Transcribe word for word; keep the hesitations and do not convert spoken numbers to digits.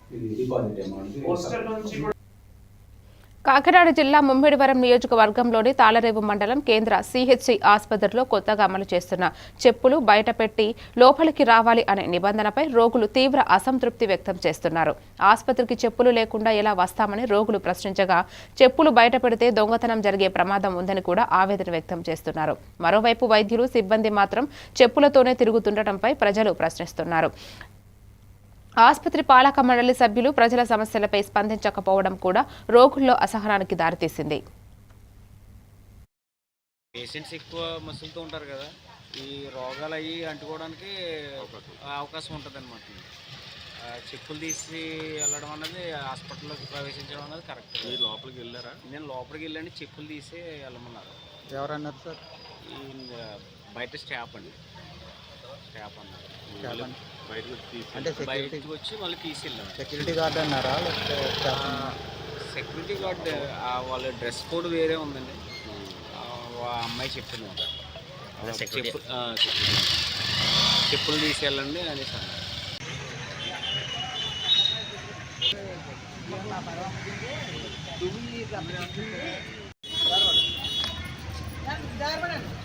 ఇది deposit amount. Kakinada జిల్లా ముమ్మిడివరం నియోజకవర్గంలోని తాళరేవు మండలం కేంద్ర సిహెచ్సి ఆసుపత్రిలో కొత్తగా అమలు చేస్తున్న చెప్పులు బయటపెట్టి లోపలికి రావాలి అనే నిబంధనపై రోగులు తీవ్ర అసంతృప్తి వ్యక్తం చేస్తున్నారు. ఆసుపత్రికి చెప్పులు లేకుండా ఎలా వస్తామని రోగులు ప్రశ్నించగా, చెప్పులు బయటపెడితే దొంగతనం జరిగే ప్రమాదం ఉందని కూడా ఆవేదన వ్యక్తం చేస్తున్నారు. మరోవైపు వైద్యులు సిబ్బంది మాత్రం చెప్పులతోనే తిరుగుతుండటంపై ప్రజలు ప్రశ్నిస్తున్నారు. ఆసుపత్రి పాలక మండలి సభ్యులు ప్రజల సమస్యలపై స్పందించకపోవడం కూడా రోగుల్లో అసహనానికి దారితీసింది. పేషెంట్స్ ఎక్కువ మసులుతూ ఉంటారు కదా, ఈ రోగాలు అవి అంటుకోవడానికి అవకాశం ఉంటుంది అనమాట. చెప్పులు తీసి వెళ్ళడం అనేది హాస్పిటల్లోకి ప్రవేశించడం అనేది కరెక్ట్. మీరు లోపలికి వెళ్ళారా? నేను లోపలికి వెళ్ళండి, చెప్పులు తీసి వెళ్ళమన్నారు. ఎవరన్నారు సార్? ఈ బయట స్టాఫ్ అండి, స్టాఫ్ అన్నారు. అంటే బయటకు వచ్చి మళ్ళీ తీసి వెళ్ళాను. సెక్యూరిటీ గార్డ్ అన్నారా? సెక్యూరిటీ గార్డ్ వాళ్ళ డ్రెస్ కోడ్ వేరే ఉందండి. అమ్మాయి చెప్పింది చెప్పు చెప్పులు తీసేయాలండి అనేసి అన్నారు.